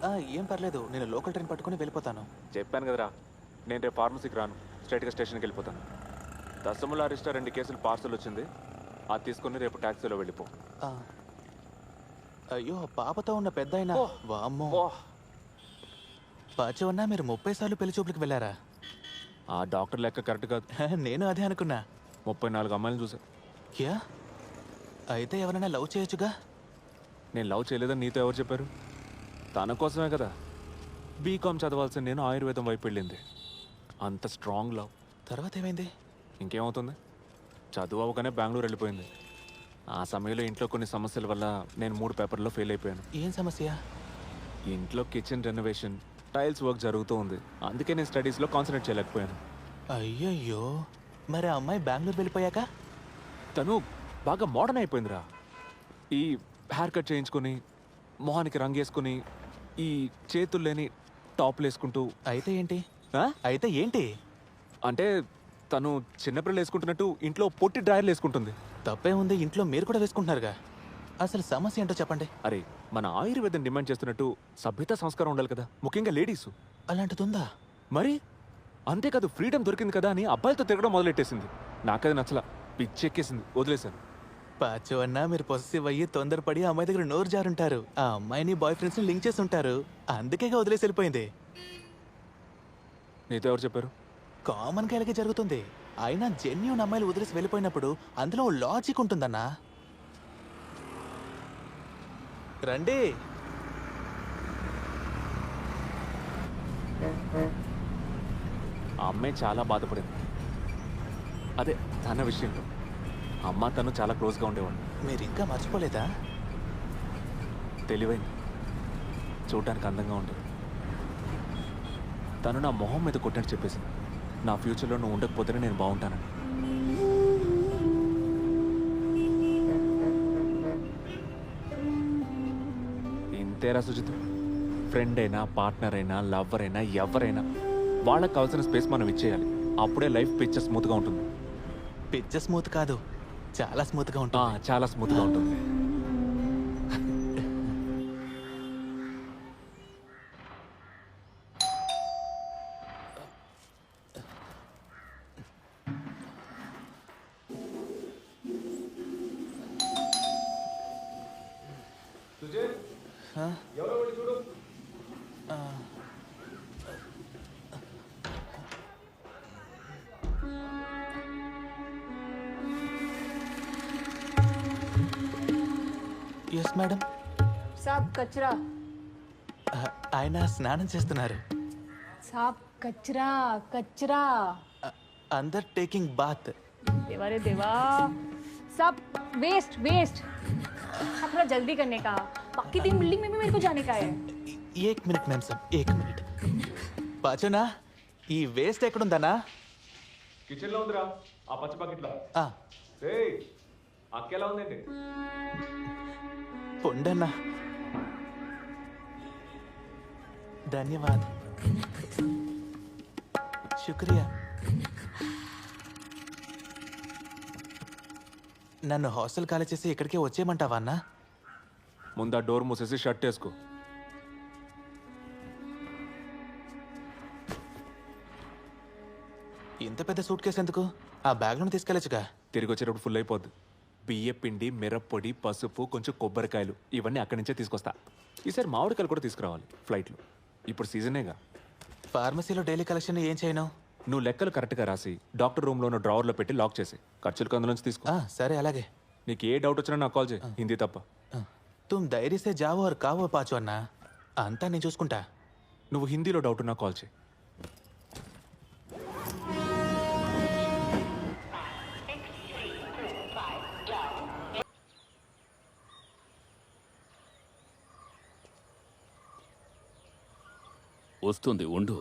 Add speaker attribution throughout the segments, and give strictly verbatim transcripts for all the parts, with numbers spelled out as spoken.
Speaker 1: ఏం పర్లేదు, నేను లోకల్ ట్రైన్ పట్టుకుని వెళ్ళిపోతాను.
Speaker 2: చెప్పాను కదరా, నేను రేపు ఫార్మసీకి రాను, స్ట్రైట్గా స్టేషన్కి వెళ్ళిపోతాను. దశముల అరిస్టా రెండు కేసులు పార్సల్ వచ్చింది, అది తీసుకుని రేపు ట్యాక్సీలో వెళ్ళిపో.
Speaker 1: ఆ, అయ్యో పాపతో ఉన్న పెద్ద అయినా వామ్మో. పాచి ఉన్నా మీరు ముప్పై సార్లు పెళ్లి చూపులకు వెళ్ళారా?
Speaker 2: ఆ డాక్టర్ లెక్క కరెక్ట్ కాదు.
Speaker 1: నేను అదే అనుకున్నా.
Speaker 2: ముప్పై నాలుగు అమ్మాయిలను చూసా.
Speaker 1: యా, అయితే ఎవరైనా లవ్ చేయొచ్చుగా.
Speaker 2: నేను లవ్ చేయలేదని నీతో ఎవరు చెప్పారు? తన కోసమే కదా బీకామ్ చదవాల్సిన నేను ఆయుర్వేదం వైపు వెళ్ళింది. అంత స్ట్రాంగ్ లవ్.
Speaker 1: తర్వాత ఏమైంది?
Speaker 2: ఇంకేమవుతుంది, చదువు అవగానే బెంగళూరు వెళ్ళిపోయింది. ఆ సమయంలో ఇంట్లో కొన్ని సమస్యల వల్ల నేను మూడు పేపర్లో ఫెయిల్ అయిపోయాను.
Speaker 1: ఏం సమస్య?
Speaker 2: ఇంట్లో కిచెన్ రెనోవేషన్, టైల్స్ వర్క్ జరుగుతూ ఉంది, అందుకే నేను స్టడీస్లో కాన్సన్ట్రేట్ చేయలేకపోయాను.
Speaker 1: అయ్యయ్యో, మరి ఆ అమ్మాయి బెంగళూరు వెళ్ళిపోయాక?
Speaker 2: తను బాగా మోడర్న్ అయిపోయిందిరా. ఈ హెయిర్ కట్ చేయించుకొని, మొహానికి రంగు వేసుకుని, ఈ చేతులు లేని టాప్లు వేసుకుంటూ.
Speaker 1: అయితే ఏంటి? అయితే ఏంటి
Speaker 2: అంటే తను చిన్నపిల్లలు వేసుకుంటున్నట్టు ఇంట్లో పొట్టి డ్రాయర్లు వేసుకుంటుంది.
Speaker 1: తప్పే ఉంది, ఇంట్లో మీరు కూడా వేసుకుంటున్నారుగా. అసలు సమస్య ఏంటో చెప్పండి.
Speaker 2: అరే, మన ఆయుర్వేదం డిమాండ్ చేస్తున్నట్టు సభ్యత సంస్కారం ఉండాలి కదా, ముఖ్యంగా లేడీసు.
Speaker 1: అలాంటిదిందా?
Speaker 2: మరి అంతేకాదు, ఫ్రీడమ్ దొరికింది కదా అని అబ్బాయిలతో తిరగడం మొదలెట్టేసింది. నాకది నచ్చలా, పిచ్చెక్కేసింది, వదిలేశాను.
Speaker 1: పాచు అన్నా మీరు పొసెసివ్ అయ్యి తొందరపడి ఆ అమ్మాయి దగ్గర నోరు జారుంటారు. ఆ అమ్మాయిని బాయ్ ఫ్రెండ్స్ ని లింక్ చేసి ఉంటారు, అందుకేగా వదిలేసి వెళ్ళిపోయింది.
Speaker 2: నీతో ఎవరు చెప్పారు?
Speaker 1: కామన్ గా ఇలాగే జరుగుతుంది. అయినా జెన్యూన్ అమ్మాయిలు వదిలేసి వెళ్ళిపోయినప్పుడు అందులో లాజిక్ ఉంటుందన్నా. రండి.
Speaker 2: ఆ అమ్మాయి చాలా బాధపడింది. అదే తన విషయంలో అమ్మ తను చాలా క్లోజ్గా ఉండేవాడు.
Speaker 1: మీరు ఇంకా మర్చిపోలేదా?
Speaker 2: తెలివైంది, చూడటానికి అందంగా ఉండేది. తను నా మొహం మీద కొట్టినట్టు చెప్పేసింది, నా ఫ్యూచర్లో నువ్వు ఉండకపోతేనే నేను బాగుంటానని. ఇంతేరా సుజిత్, ఫ్రెండ్ అయినా, పార్ట్నర్ అయినా, లవ్వర్ అయినా, ఎవరైనా వాళ్ళకి కావాల్సిన స్పేస్ మనం ఇచ్చేయాలి. అప్పుడే లైఫ్ పిచ్చ స్మూత్గా ఉంటుంది.
Speaker 1: పిచ్చ స్మూత్ కాదు, చాలా స్మూత్గా ఉంటుంది.
Speaker 2: చాలా స్మూత్గా ఉంటుంది.
Speaker 1: Yes madam.
Speaker 3: సాబ్ కచరా.
Speaker 1: ఆయన స్నానం చేస్తున్నారు.
Speaker 3: సాబ్ కచరా కచరా.
Speaker 1: अंदर टेकिंग बात.
Speaker 3: देवा रे देवा, सब वेस्ट वेस्ट. हाँ, थोड़ा जल्दी करने का, बाकी तीन बिल्डिंग में भी मेरे को जाने का है.
Speaker 1: एक मिनट मैम साहब, एक मिनट. పాచోనా, ఈ వేస్ట్ ఎక్కడుందనా?
Speaker 2: కిచెన్లో ఉందిరా, ఆ పచ్చ బకెట్లో. ఏయ్, అక్కెలా ఉందండి?
Speaker 1: పొండన్నా. ధన్యవాద్, శుక్రియా. నన్ను హాస్టల్ ఖాళీ చేసి ఇక్కడికే వచ్చేయమంటావా అన్నా?
Speaker 2: ముందు ఆ డోర్ మూసేసి షర్ట్ వేసుకో.
Speaker 1: ఇంత పెద్ద సూట్ కేసు ఎందుకు? ఆ బ్యాగ్లను తీసుకెళ్ళచ్చుగా.
Speaker 2: తిరిగి వచ్చేటప్పుడు ఫుల్ అయిపోద్ది. బియ్య పిండి, మిరప్పొడి, పసుపు, కొంచెం కొబ్బరికాయలు, ఇవన్నీ అక్కడి నుంచే తీసుకొస్తా. ఈసారి మామిడికాయలు కూడా తీసుకురావాలి ఫ్లైట్లో. ఇప్పుడు సీజనేగా.
Speaker 1: ఫార్మసీలో డైలీ కలెక్షన్ ఏం చేయను?
Speaker 2: నువ్వు లెక్కలు కరెక్ట్గా రాసి డాక్టర్ రూమ్లో ఉన్న డ్రావర్లో పెట్టి లాక్ చేసి ఖర్చులకు అందులోంచి తీసుకో.
Speaker 1: సరే అలాగే.
Speaker 2: నీకు ఏ డౌట్ వచ్చినా నాకు కాల్ చేయి, హిందీ తప్ప.
Speaker 1: తుమ్ ధైర్య సే జావో और కావో పాచు అన్నా, అంతా నేను చూసుకుంటా.
Speaker 2: నువ్వు హిందీలో డౌట్ ఉన్నా కాల్ చేయి.
Speaker 4: వస్తుంది, ఉండు.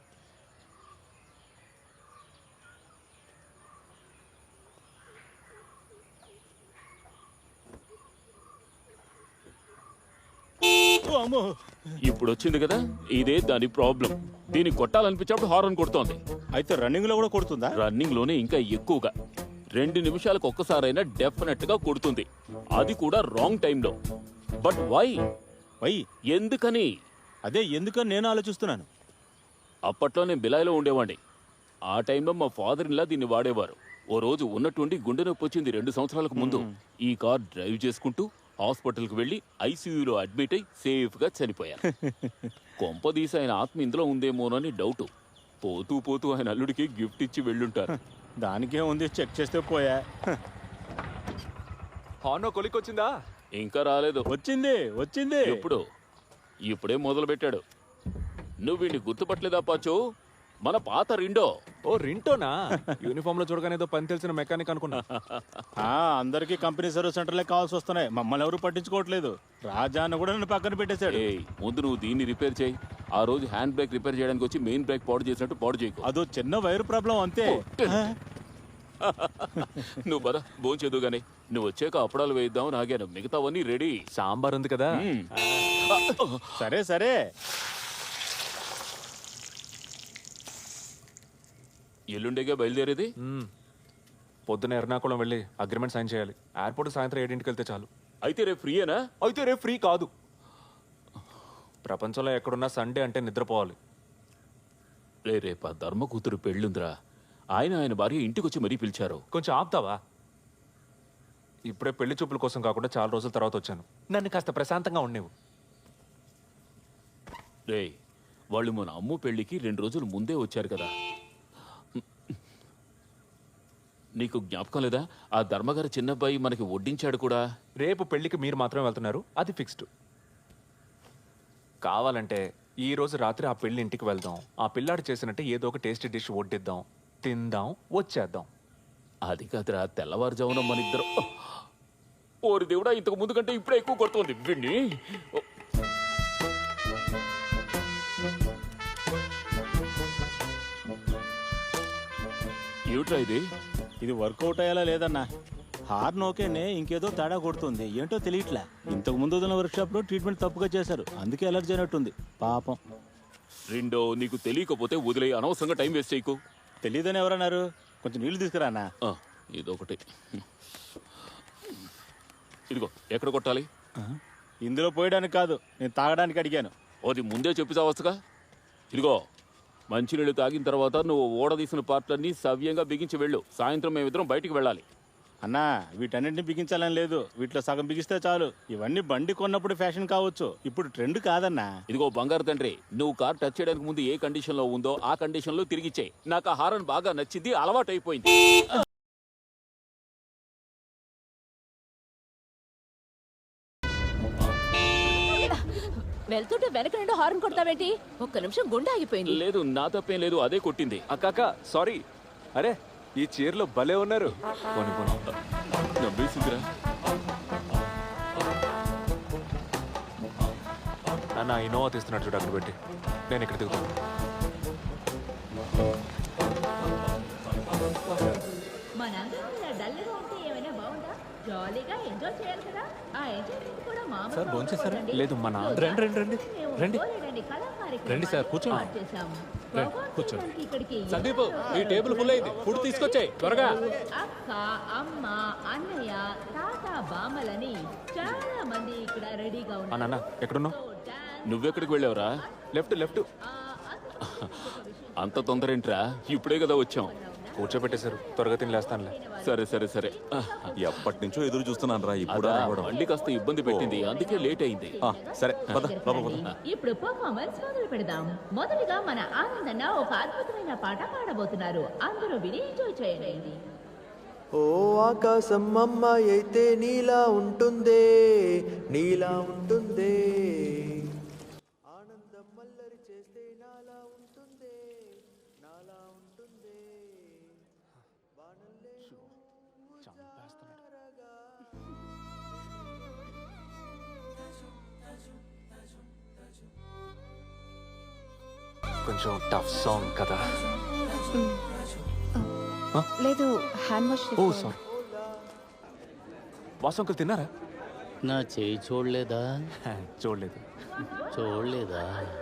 Speaker 4: ఇప్పుడు వచ్చింది కదా, ఇదే దాని ప్రాబ్లం. దీన్ని కొట్టాలనిపించినప్పుడు హార్న్ కొడుతోంది.
Speaker 5: అయితే రన్నింగ్ లో కూడా కొడుతుందా?
Speaker 4: రన్నింగ్ లోనే ఇంకా ఎక్కువగా. రెండు నిమిషాలకు ఒక్కసారైనా డెఫినెట్ గా కొడుతుంది, అది కూడా రాంగ్ టైంలో. బట్ వై
Speaker 5: వై
Speaker 4: ఎందుకని?
Speaker 5: అదే ఎందుకని నేను ఆలోచిస్తున్నాను.
Speaker 4: అప్పట్లో నేను బిలాయిలో ఉండేవాడిని. ఆ టైంలో మా ఫాదర్ ఇలా దీన్ని వాడేవారు. ఓ రోజు ఉన్నట్టుండి గుండె నొప్పి వచ్చింది రెండు సంవత్సరాలకు ముందు. ఈ కార్ డ్రైవ్ చేసుకుంటూ హాస్పిటల్కి వెళ్ళి ఐసీయూలో అడ్మిట్ అయి సేఫ్గా చనిపోయాను. కొంపదీసి ఆయన ఆత్మ ఇందులో ఉందేమోనని డౌట్. పోతూ పోతూ ఆయన అల్లుడికి గిఫ్ట్ ఇచ్చి వెళ్ళుంటారు.
Speaker 5: దానికే ఉంది, చెక్ చేస్తే పోయా.
Speaker 2: హార్నో కొలిక్కొచ్చిందా?
Speaker 4: ఇంకా రాలేదు.
Speaker 5: వచ్చింది వచ్చింది.
Speaker 4: ఎప్పుడు? ఇప్పుడే మొదలు పెట్టాడు. నువ్వు వీడిని గుర్తుపట్టలేదా పాచు? మన పాత రిండో.
Speaker 2: ఓ రింటోనా? యూనిఫామ్ లో చూడగానే ఏదో పని తెలిసిన మెకానిక్ అనుకున్నా.
Speaker 5: ఆ, అందరికీ కంపెనీ సర్వీస్ సెంటర్లే కావాల్సి వస్తున్నాయి. మమ్మల్ని ఎవరు పట్టించుకోవట్లేదు. రాజా అన్న కూడా నన్ను పక్కన పెట్టేశాడు.
Speaker 4: ఏయ్, ముందు నువ్వు దీన్ని రిపేర్ చేయి. ఆ రోజు హ్యాండ్ బ్రేక్ రిపేర్ చేయడానికి వచ్చి మెయిన్ బ్రేక్ పాడు చేసినట్టు పాడు చేయకు.
Speaker 5: అదో చిన్న వైర్ ప్రాబ్లం అంతే.
Speaker 4: నువ్వు బదా భోంచేదు గానీ నువ్వు వచ్చాక అప్పడాలు వేయిద్దాం నాగాను. మిగతావన్నీ రెడీ.
Speaker 2: సాంబార్ ఉంది కదా.
Speaker 4: మ్మ్.
Speaker 5: సరే సరే.
Speaker 4: ఎల్లుండేగా బయలుదేరేది.
Speaker 2: మ్మ్. పొద్దున ఎర్నాకుళం వెళ్ళి అగ్రిమెంట్ సైన్ చేయాలి. ఎయిర్పోర్ట్ సాయంత్రం ఏడింటికి వెళ్తే చాలు.
Speaker 4: అయితే రేపు ఫ్రీయేనా?
Speaker 2: అయితే రేపు ఫ్రీ కాదు. ప్రపంచంలో ఎక్కడున్నా సండే అంటే నిద్రపోవాలి.
Speaker 4: రే రేపా ధర్మ కూతురు పెళ్ళుందిరా. ఆయన ఆయన భార్య ఇంటికి వచ్చి మరీ పిలిచారు.
Speaker 2: కొంచెం ఆపుతావా? ఇప్పుడే పెళ్లి చూపుల కోసం కాకుండా చాలా రోజుల తర్వాత వచ్చాను. నన్ను కాస్త ప్రశాంతంగా ఉండేవు.
Speaker 4: రే వాళ్ళు మన అమ్ము పెళ్లికి రెండు రోజులు ముందే వచ్చారు కదా. నీకు జ్ఞాపకం లేదా? ఆ ధర్మగారి చిన్నబ్బాయి మనకి వడ్డించాడు కూడా.
Speaker 2: రేపు పెళ్లికి మీరు మాత్రమే వెళ్తున్నారు, అది ఫిక్స్డ్. కావాలంటే ఈ రోజు రాత్రి ఆ పెళ్లి ఇంటికి వెళ్దాం. ఆ పిల్లాడు చేసినట్టే ఏదో ఒక టేస్టీ డిష్ వడ్డిద్దాం, తిందాం, వచ్చేద్దాం.
Speaker 4: అది కాదురా, తెల్లవారుజామున మన ఇద్దరం. ఓరి దేవుడా, ఇంతకు ముందు కంటే ఇప్పుడే ఎక్కువ కొడుతుంది విన్ని. ఏమిట్రా ఇది?
Speaker 5: ఇది వర్కౌట్ అయ్యేలా లేదన్నా. హార్న్ ఓకేనే, ఇంకేదో తేడా కొడుతుంది. ఏంటో తెలియట్లే. ఇంతకు ముందు వదిలిన వర్క్ షాప్ లో ట్రీట్మెంట్ తప్పుగా చేశారు, అందుకే అలర్జీ అయినట్టుంది పాపం.
Speaker 4: రెండో నీకు తెలియకపోతే వదిలే, అనవసరంగా టైం వేస్ట్ చేయకు.
Speaker 5: తెలియదని ఎవరన్నారు? కొంచెం నీళ్లు తీసుకురానా.
Speaker 4: ఆ, ఇదొకటి. ఇదిగో, ఎక్కడ కొట్టాలి?
Speaker 5: ఇందులో పోయడానికి కాదు, నేను తాగడానికి అడిగాను.
Speaker 4: అది ముందే చెప్పి చావచ్చుగా. ఇదిగో, మంచినీళ్ళు తాగిన తర్వాత నువ్వు ఓడదీసిన పార్ట్లన్నీ సవ్యంగా బిగించి వెళ్ళు. సాయంత్రం మేమిద్దరం బయటికి వెళ్ళాలి.
Speaker 5: అన్నా, వీటన్నింటిని బిగించాలని లేదు. వీటిలో సగం బిగిస్తే చాలు. ఇవన్నీ బండి కొన్నప్పుడు ఫ్యాషన్ కావచ్చు, ఇప్పుడు ట్రెండ్ కాదన్నా.
Speaker 4: ఇదిగో బంగారు తండ్రి, నువ్వు కార్ టచ్ చేయడానికి ముందు ఏ కండిషన్ లో ఉందో ఆ కండిషన్ లో తిరిగిచ్చే. నాకు ఆ హారన్ బాగా నచ్చింది, అలవాటు అయిపోయింది.
Speaker 6: వెళ్తుంటే వెనక నుండి హార్న్ కొడతావేంటి? ఒక్క నిమిషం గుండె ఆగిపోయింది.
Speaker 4: లేదు, నా తప్పేం లేదు, అదే కొట్టింది.
Speaker 2: అక్కాక సారీ. అరే ఈ చీరలో భలే ఉన్నారు. పోనీ పోనీ.
Speaker 4: నవ్వేసిందిరా.
Speaker 2: నాన్న ఇన్నోవా తీస్తున్నాడు చూడు, అక్కడ పెట్టి. నేను ఇక్కడ దిగుతాను.
Speaker 6: మనందరం ఇలా డల్గా ఉంటే ఏమైనా బాగుందా? జాలీగా ఎంజాయ్ చేయాలి కదా. ఆ ఎంజాయ్మెంట్ కూడా మామూలు
Speaker 1: సార్, భోంచేశారా?
Speaker 2: లేదు, మన
Speaker 1: రండి రండి రండి రండి రండి సార్, కూర్చోండి. రండి, కూర్చోండి.
Speaker 6: ఇక్కడికి
Speaker 1: సందీప్, ఈ టేబుల్ ఫుల్ అయింది, ఫుడ్ తీసుకొచ్చాయి త్వరగా.
Speaker 6: అక్క, అమ్మ, అన్నయ్య, తాత, బామ్మలని చాలా మంది ఇక్కడ రెడీగా
Speaker 2: ఆ
Speaker 6: ఉన్నారు.
Speaker 2: నాన్న ఎక్కడున్నావు?
Speaker 4: నువ్వెక్కడికి వెళ్ళావురా?
Speaker 2: Left left.
Speaker 4: అంత తొందర ఏంట్రా? ఇప్పుడే కదా వచ్చాం.
Speaker 2: కూర్చోబెట్టేశారు, త్వరగా తినలేస్తానులే.
Speaker 4: సరే సరే సరే.
Speaker 7: ఎప్పటి నుంచో ఎదురు చూస్తున్నాను రా. ఇప్పుడు
Speaker 4: అదా, మళ్ళీ కాస్త ఇబ్బంది పెట్టింది, అందుకే లేట్ అయింది.
Speaker 7: సరే పద లోపల పద.
Speaker 6: ఇప్పుడు పర్ఫార్మెన్స్ మొదలు పెడదాం. మొదటిగా మన ఆనందన్న ఒక అద్భుతమైన పాట పాడబోతున్నారు. అందరూ విని ఎంజాయ్ చేయండి.
Speaker 8: ఓ ఆకాశం అమ్మాయి అయితే నీలా ఉంటుందే, నీలా ఉంటుందే. ఆనందం మల్లరి చేస్తే నాలా ఉంటుందే, నాలా ఉంటుందే. వానల్లే నువ్వు జారగా.
Speaker 2: కొంచెం టఫ్ సాంగ్ కదా.
Speaker 9: లేదు, hand wash
Speaker 2: oh sorry. Vasu uncle తిన్నారా?
Speaker 10: నా చేయి చూడలేదా?
Speaker 2: చూడలేదు.
Speaker 10: చూడలేదా?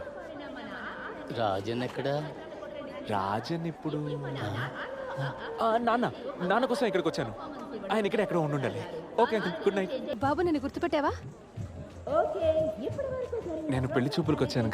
Speaker 10: రాజన్ ఎక్కడా?
Speaker 2: రాజన్ ఇప్పుడు ఆ, నాన్న నాన్న కోసం ఇక్కడికి వచ్చాను. ఆయన ఇక్కడ ఎక్కడ ఉండాలి. Okay uncle, good night.
Speaker 9: బాబు, నన్ను గుర్తుపెట్టావా?
Speaker 6: ఓకే, ఇప్పటి వరకు జరిగిన
Speaker 2: నేను పెళ్లి చూపులకు వచ్చాను